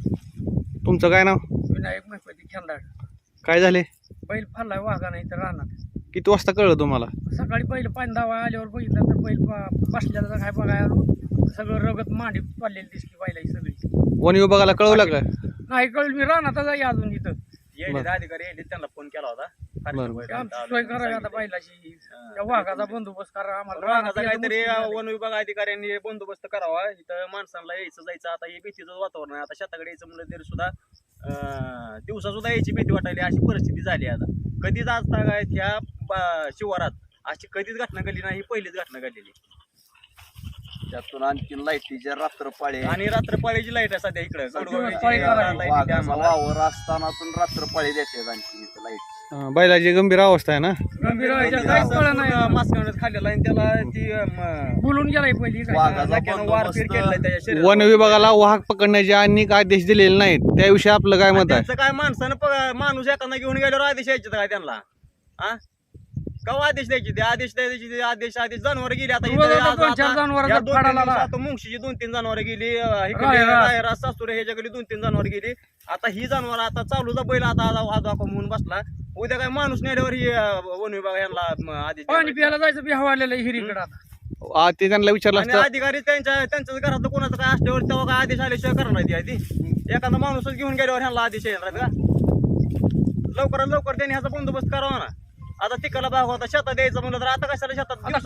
तुमचं काय नाव? विनायक महिपती खेंदाड. काय झाले? बैल फाडलाय वाघा नाही तर राहणार. किती वाजता कळलं तुम्हाला? सकाळी पहिलं पाणी दावा आल्यावर बघितलं तर बैल बसल्याला काय बघाय आलो, सगळं रगत मांडी पडलेली दिसली बैलाची सगळी. वन विभागाला कळवलं का? नाही कळलं, मी राहणार आहे अजून इथं. अधिकारी यायले त्यांना फोन केला होता. आमची सोय करावी आता बैलाची, त्या वाघाचा बंदोबस्त करा आम्हाला. रानाचा काहीतरी वन विभाग अधिकाऱ्यांनी बंदोबस्त करावा. इथं माणसांना यायचं जायचं आता हे भीतीचं वातावरण आहे. आता शेताकडे यायचं म्हणलं तरी सुद्धा दिवसा सुद्धा यायची भीती वाटायली, अशी परिस्थिती झाली. आता कधीच आज तागायत ह्या शिवारात अशी कधीच घटना घडली नाही, पहिलीच घटना घडलेली. त्यातून आणखी लाईटीच्या रात्रपाळी आणि रात्रपाळीची लाईट आहे सध्या इकडे. वावर असताना रात्रपाळी देते आणखी इथं लाईट. बैलाची गंभीर अवस्था आहे ना? गंभीर काहीच कळलं नाही. मास्क खाल्लेला आणि त्याला ती बोलून गेलाय पहिली. वारपीट केलेला त्याच्या शरीरात. वन विभागाला वाहक पकडण्याचे अनेक आदेश दिलेले नाहीत, त्याविषयी आपलं काय मत आहे? त्यांचं काय माणसानं माणूस एखादा घेऊन गेल्यावर आदेश यायचे काय त्यांना? हा कवा आदेश द्यायचे? ते आदेश द्यायचे, आदेश जनावर गेली. आता मुंगशीची 2-3 जनावर गेली, सासुरे ह्याच्याकडे 2-3 जनावर गेली. आता ही जनावर आता चालूचा बैल आता म्हणून बसला. उद्या काय माणूस नेल्यावर ही वन विभाग यांना आदेश पाणी प्यायला जायचं बी हवालेलं हिरीकडे आता. ते त्यांना विचारलं आणि असतं. अधिकारी त्यांच्याच घरात कोणाचं काय असल्यावर तेव्हा काय आदेश आल्याशिवाय करणार ती आधी. एखादा माणूसच घेऊन गेल्यावर ह्यांना आदेश येणार का? लवकरात लवकर त्यांनी ह्याचा बंदोबस्त करावा ना. आता तिकडला भाग होता, शेतात द्यायचं म्हणलं तर आता कशाला शेतात आता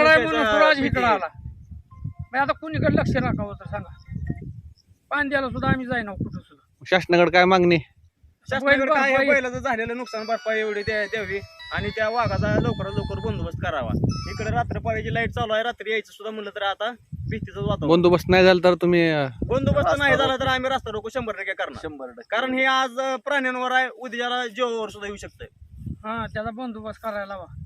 कुणीकडे लक्ष राखावं तर सांगा. पाणी द्यायला सुद्धा आम्ही जाईना कुठं सुद्धा. शासनाकडे काय मागणी? शासनाकडे काय बैलाचं झालेलं नुकसान भरपाई एवढी द्यावी आणि त्या वाघाचा लवकरात लवकर बंदोबस्त करावा. इकडे रात्रपाळीची लाईट चालू आहे, रात्री यायचं सुद्धा म्हणलं तर आता भीतीच वातावरण. बंदोबस्त नाही झाला तर तुम्ही बंदोबस्त नाही झाला तर आम्ही रस्ता रोको 100% करणार. 100%. कारण हे आज प्राण्यांवर आहे, उद्याला जीवावर सुद्धा येऊ शकतंय. हा त्याचा बंदोबस्त करायला हवा.